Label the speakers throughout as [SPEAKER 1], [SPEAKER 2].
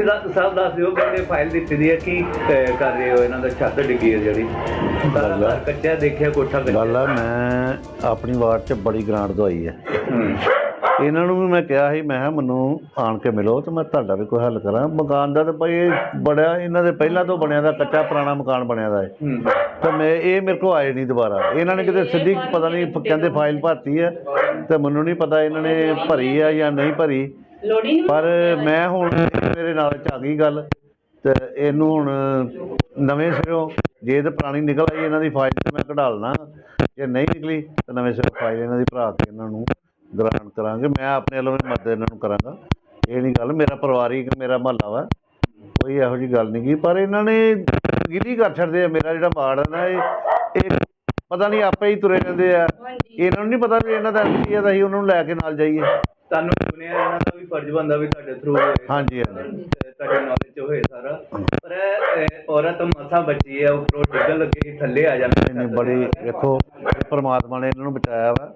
[SPEAKER 1] ਸਾਹਿਬ ਦੱਸ ਦਿਓ, ਕਹਿੰਦੇ ਫਾਈਲ ਦਿੱਤੀ ਦੀ ਹੈ, ਕੀ ਕਰ ਰਹੇ ਹੋ? ਇਹਨਾਂ ਦਾ ਛੱਤ ਡਿੱਗੀ ਹੈ ਜਿਹੜੀ, ਕੱਚਾ ਦੇਖਿਆ, ਕੋਠਾ ਕੱਚਾ।
[SPEAKER 2] ਗੱਲ ਆ, ਮੈਂ ਆਪਣੀ ਵਾਰਡ 'ਚ ਬੜੀ ਗ੍ਰਾਂਟ ਦਵਾਈ ਹੈ। ਇਹਨਾਂ ਨੂੰ ਵੀ ਮੈਂ ਕਿਹਾ ਸੀ, ਮੈਂ ਕਿਹਾ ਮੈਨੂੰ ਆਣ ਕੇ ਮਿਲੋ ਤੇ ਮੈਂ ਤੁਹਾਡਾ ਵੀ ਕੋਈ ਹੱਲ ਕਰਾਂ। ਮਕਾਨ ਦਾ ਤਾਂ ਭਾਈ ਬੜਿਆ ਇਹਨਾਂ ਦੇ ਪਹਿਲਾਂ ਤੋਂ ਬਣਿਆ ਦਾ, ਕੱਚਾ ਪੁਰਾਣਾ ਮਕਾਨ ਬਣਿਆ ਦਾ ਹੈ। ਤਾਂ ਮੈਂ ਇਹ ਮੇਰੇ ਕੋਲ ਆਏ ਨਹੀਂ ਦੁਬਾਰਾ। ਇਹਨਾਂ ਨੇ ਕਿਤੇ ਸਿੱਧੀ ਪਤਾ ਨਹੀਂ ਕਹਿੰਦੇ ਫਾਈਲ ਭਰਤੀ ਹੈ, ਤੇ ਮੈਨੂੰ ਨਹੀਂ ਪਤਾ ਇਹਨਾਂ ਨੇ ਭਰੀ ਆ ਜਾਂ ਨਹੀਂ ਭਰੀ। ਪਰ ਮੈਂ ਹੁਣ ਮੇਰੇ ਨਾਲ 'ਚ ਆ ਗਈ ਗੱਲ, ਤੇ ਇਹਨੂੰ ਹੁਣ ਨਵੇਂ ਸਿਰੋਂ ਜੇ ਤਾਂ ਪੁਰਾਣੀ ਨਿਕਲ ਆਈ ਇਹਨਾਂ ਦੀ ਫਾਈਲ ਤੇ ਮੈਂ ਕਢਾ ਲੈਣਾ, ਜੇ ਨਹੀਂ ਨਿਕਲੀ ਤਾਂ ਨਵੇਂ ਸਿਰੋਂ ਫਾਈਲ ਇਹਨਾਂ ਦੀ ਭਰਾ ਕੇ ਇਹਨਾਂ ਨੂੰ ਗ੍ਰਾਂਟ ਕਰਾਂਗੇ। ਮੈਂ ਆਪਣੇ ਵੱਲੋਂ ਵੀ ਮਦਦ ਇਹਨਾਂ ਨੂੰ ਕਰਾਂਗਾ। ਇਹ ਨਹੀਂ ਗੱਲ, ਮੇਰਾ ਪਰਿਵਾਰਿਕ ਮੇਰਾ ਮੁਹੱਲਾ ਵਾ, ਕੋਈ ਇਹੋ ਜਿਹੀ ਗੱਲ ਨਹੀਂ ਗੀ। ਪਰ ਇਹਨਾਂ ਨੇ ਗਿਲੀ ਕਰ ਛੱਡਦੇ ਆ। ਮੇਰਾ ਜਿਹੜਾ ਵਾਰਡ ਹੈ ਨਾ, ਇਹ ਪਤਾ ਨਹੀਂ ਆਪੇ ਹੀ ਤੁਰੇ ਰਹਿੰਦੇ ਆ। ਇਹਨਾਂ ਨੂੰ ਨਹੀਂ ਪਤਾ ਵੀ ਇਹਨਾਂ ਦਾ ਐਮਪੀ ਆ ਤਾਂ ਅਸੀਂ ਉਹਨਾਂ ਨੂੰ ਲੈ ਕੇ ਨਾਲ ਜਾਈਏ।
[SPEAKER 1] ਤੁਹਾਨੂੰ ਸੁਣਿਆ ਇਹਨਾਂ ਦਾ ਵੀ ਫਰਜ਼ ਬਣਦਾ ਵੀ ਤੁਹਾਡੇ ਥਰੂ
[SPEAKER 2] ਹਾਂਜੀ
[SPEAKER 1] ਤੁਹਾਡੇ ਨੌਲੇਜ 'ਚ ਹੋਏ ਸਾਰਾ। ਪਰ ਔਰਤ ਮਸਾਂ ਬਚੀ ਹੈ, ਉੱਪਰੋਂ ਡਿੱਗਣ ਲੱਗੇ ਕਿ ਥੱਲੇ ਆ ਜਾਂਦੇ।
[SPEAKER 2] ਨਹੀਂ ਬੜੀ ਵੇਖੋ, ਪਰਮਾਤਮਾ ਨੇ ਇਹਨਾਂ ਨੂੰ ਬਚਾਇਆ ਵਾ।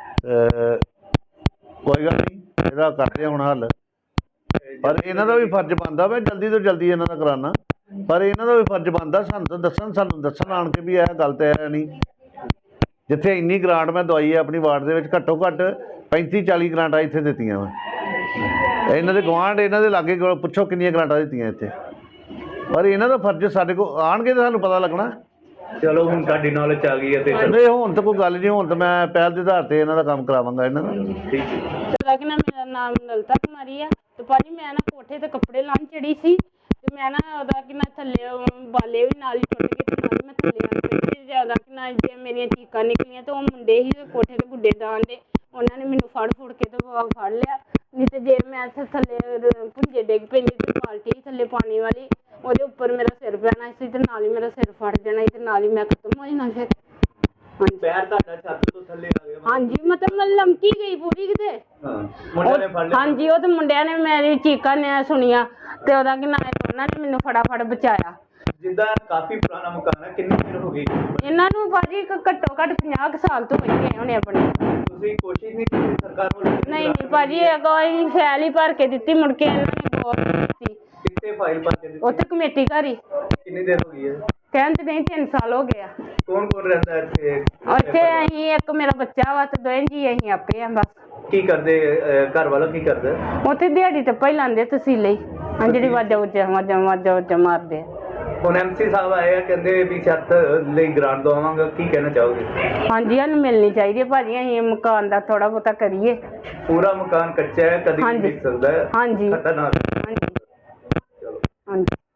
[SPEAKER 2] ਕੋਈ ਗੱਲ ਨਹੀਂ, ਇਹਦਾ ਕਰਦੇ ਹੁਣ ਹੱਲ। ਪਰ ਇਹਨਾਂ ਦਾ ਵੀ ਫਰਜ਼ ਬਣਦਾ ਵਾ, ਜਲਦੀ ਤੋਂ ਜਲਦੀ ਇਹਨਾਂ ਦਾ ਕਰਾਉਣਾ। ਪਰ ਇਹਨਾਂ ਦਾ ਵੀ ਫਰਜ਼ ਬਣਦਾ ਸਾਨੂੰ ਦੱਸਣ ਆਣ ਕੇ ਵੀ ਇਹ ਗੱਲ ਤਾਂ ਹੈ ਨਹੀਂ। ਜਿੱਥੇ ਇੰਨੀ ਗ੍ਰਾਂਟ ਮੈਂ ਦਵਾਈ ਹੈ ਆਪਣੀ ਵਾਰਡ ਦੇ ਵਿੱਚ, ਘੱਟੋ ਘੱਟ 35-40 ਗ੍ਰਾਂਟਾਂ ਇੱਥੇ ਦਿੱਤੀਆਂ ਵਾ। ਇਹਨਾਂ ਦੇ ਗੁਆਂਢ, ਇਹਨਾਂ ਦੇ ਲਾਗੇ ਪੁੱਛੋ ਕਿੰਨੀਆਂ ਗ੍ਰਾਂਟਾਂ ਦਿੱਤੀਆਂ ਇੱਥੇ। ਪਰ ਇਹਨਾਂ ਦਾ ਫਰਜ਼ ਸਾਡੇ ਕੋਲ ਆਉਣਗੇ ਤਾਂ ਸਾਨੂੰ ਪਤਾ ਲੱਗਣਾ।
[SPEAKER 1] ਚਲੋ ਹੁਣ ਤੁਹਾਡੀ ਨੌਲੇਜ ਆ ਗਈ ਹੈ ਤੇ
[SPEAKER 2] ਨਹੀਂ, ਹੁਣ ਤਾਂ ਕੋਈ ਗੱਲ ਨਹੀਂ। ਹੁਣ ਤਾਂ ਮੈਂ ਪਹਿਲ ਦੇ ਆਧਾਰ 'ਤੇ ਇਹਨਾਂ ਦਾ ਕੰਮ ਕਰਾਵਾਂਗਾ ਇਹਨਾਂ ਦਾ।
[SPEAKER 1] ਠੀਕ ਹੈ।
[SPEAKER 3] ਮੇਰਾ ਨਾਮ ਲਲਿਤਾ ਕੁਮਾਰੀ ਆ। ਤੇ ਭਾਜੀ ਮੈਂ ਨਾ ਕੋਠੇ ਤੇ ਕੱਪੜੇ ਲਾਉਣ ਚੜੀ ਸੀ, ਤੇ ਮੈਂ ਨਾ ਉਹਦਾ ਕਿ ਨਾ ਥੱਲੇ ਬਾਲੇ ਵੀ ਨਾਲ ਹੀ ਟੁੱਟ ਗਏ, ਤੇ ਨਾਲ ਹੀ ਮੈਂ ਥੱਲੇ ਆਣ ਪਈ। ਜ਼ਿਆਦਾ ਕਿ ਨਾ ਜੇ ਮੇਰੀਆਂ ਚੀਕਾਂ ਨਿਕਲੀਆਂ, ਤੇ ਉਹ ਮੁੰਡੇ ਹੀ ਕੋਠੇ ਤੇ ਗੁੱਡੇ ਡਾਣ ਦੇ, ਉਹਨਾਂ ਨੇ ਮੈਨੂੰ ਫੜ ਕੇ ਤੇ ਫੜ ਲਿਆ। ਨਹੀਂ ਤੇ ਜੇ ਮੈਂ ਇੱਥੇ ਥੱਲੇ ਭੁੰਜੇ ਡਿੱਗ ਪੈਂਦੀ ਤੇ ਬਾਲਟੀ ਥੱਲੇ ਪਾਣੀ ਵਾਲੀ, ਉਹਦੇ ਉੱਪਰ ਮੇਰਾ ਸਿਰ ਪੈਣਾ ਸੀ, ਤੇ ਨਾਲ ਹੀ ਮੇਰਾ ਸਿਰ ਫੜ ਜਾਣਾ ਸੀ, ਤੇ ਨਾਲ ਹੀ ਮੈਂ ਖਤਮ ਹੋ ਜਾਣਾ ਫਿਰ।
[SPEAKER 1] ਪੈਰ ਤੁਹਾਡਾ ਛੱਤ ਤੋਂ ਥੱਲੇ ਆ ਗਿਆ?
[SPEAKER 3] ਹਾਂਜੀ, ਮਤਲਬ ਮੈਂ ਲਮਕੀ ਗਈ ਪੂਰੀ ਕਿਤੇ।
[SPEAKER 1] ਮੁੰਡਿਆਂ ਨੇ ਫੜ ਲਿਆ?
[SPEAKER 3] ਹਾਂਜੀ, ਉਹ ਤੇ ਮੁੰਡਿਆਂ ਨੇ ਮੇਰੀ ਚੀਕਾਂ ਨੇ ਸੁਣੀਆਂ, ਤੇ ਉਹਦਾ ਕਿ ਨਾ ਉਹਨਾਂ ਨੇ ਮੈਨੂੰ ਫਟਾਫਟ ਬਚਾਇਆ।
[SPEAKER 1] ਜਿੱਦਾਂ ਕਾਫੀ ਪੁਰਾਣਾ ਮਕਾਨ ਹੈ, ਕਿੰਨੀ ਦੇਰ ਹੋ ਗਈ
[SPEAKER 3] ਇਹਨਾਂ ਨੂੰ ਭਾਜੀ ਘੱਟੋ ਘੱਟ 50 ਸਾਲ ਤੋਂ ਹੋਈ ਗਏ ਹੋਣੇ ਆਪਣੇ।
[SPEAKER 1] ਤੁਸੀਂ ਕੋਸ਼ਿਸ਼ ਨਹੀਂ ਕੀਤੀ ਸਰਕਾਰ ਵੱਲੋਂ?
[SPEAKER 3] ਨਹੀਂ ਭਾਜੀ, ਕੋਈ ਫੈਲ ਹੀ ਭਰ ਕੇ ਦਿੱਤੀ, ਮੁੜ ਕੇ ਇਹਨਾਂ ਨੇ ਗੌਰ ਨਹੀਂ ਕੀਤੀ।
[SPEAKER 1] ਕਿੱਥੇ ਫਾਈਲ ਭਰ ਕੇ ਦਿੱਤੀ?
[SPEAKER 3] ਉੱਥੇ ਕਮੇਟੀ ਘਰ ਹੀ।
[SPEAKER 1] ਕਿੰਨੀ ਦੇਰ ਹੋ ਗਈ ਹੈ?
[SPEAKER 3] ਕਹਿੰਦੇ ਨਹੀਂ 3 ਸਾਲ ਹੋ ਗਏ ਆ।
[SPEAKER 1] ਕੌਣ ਰਹਿੰਦਾ ਇੱਥੇ?
[SPEAKER 3] ਇੱਥੇ ਅਸੀਂ, ਇੱਕ ਮੇਰਾ ਬੱਚਾ ਵਾ, ਤੇ ਦੋਵੇਂ ਜੀ ਅਸੀਂ ਆਪੇ ਆ ਬਸ।
[SPEAKER 1] ਕੀ ਕਰਦੇ ਘਰ ਵਾਲਾ? ਕੀ ਕਰਦਾ?
[SPEAKER 3] ਉੱਥੇ ਦਿਹਾੜੀ ਤੇ ਪਹਿਲਾਂ ਲਾਉਂਦੇ ਤਸੀਲੇ ਹੀ, ਜਿਹੜੀ ਵਾਜਾ ਮਾਰਦੇ ਆ।
[SPEAKER 1] ਹੁਣ ਐਮਸੀ ਸਾਹਿਬ ਆਏ ਆ, ਕਹਿੰਦੇ ਵੀ ਛੱਤ ਲਈ ਗ੍ਰਾਂਟ ਦਵਾਵਾਂਗਾ, ਕੀ ਕਹਿਣਾ ਚਾਹੋਗੇ?
[SPEAKER 3] ਹਾਂਜੀ, ਸਾਨੂੰ ਮਿਲਣੀ ਚਾਹੀਦੀ ਹੈ ਭਾਜੀ। ਅਸੀਂ ਮਕਾਨ ਦਾ ਥੋੜਾ ਬਹੁਤਾ ਕਰੀਏ।
[SPEAKER 1] ਪੂਰਾ ਮਕਾਨ ਕੱਚਾ ਹੈ, ਕਦੀ ਵੀ ਡਿੱਗ ਸਕਦਾ ਹੈ।
[SPEAKER 3] ਹਾਂਜੀ
[SPEAKER 1] ਖਤਰਨਾਕ।
[SPEAKER 3] ਹਾਂਜੀ। ਚਲੋ ਹਾਂਜੀ।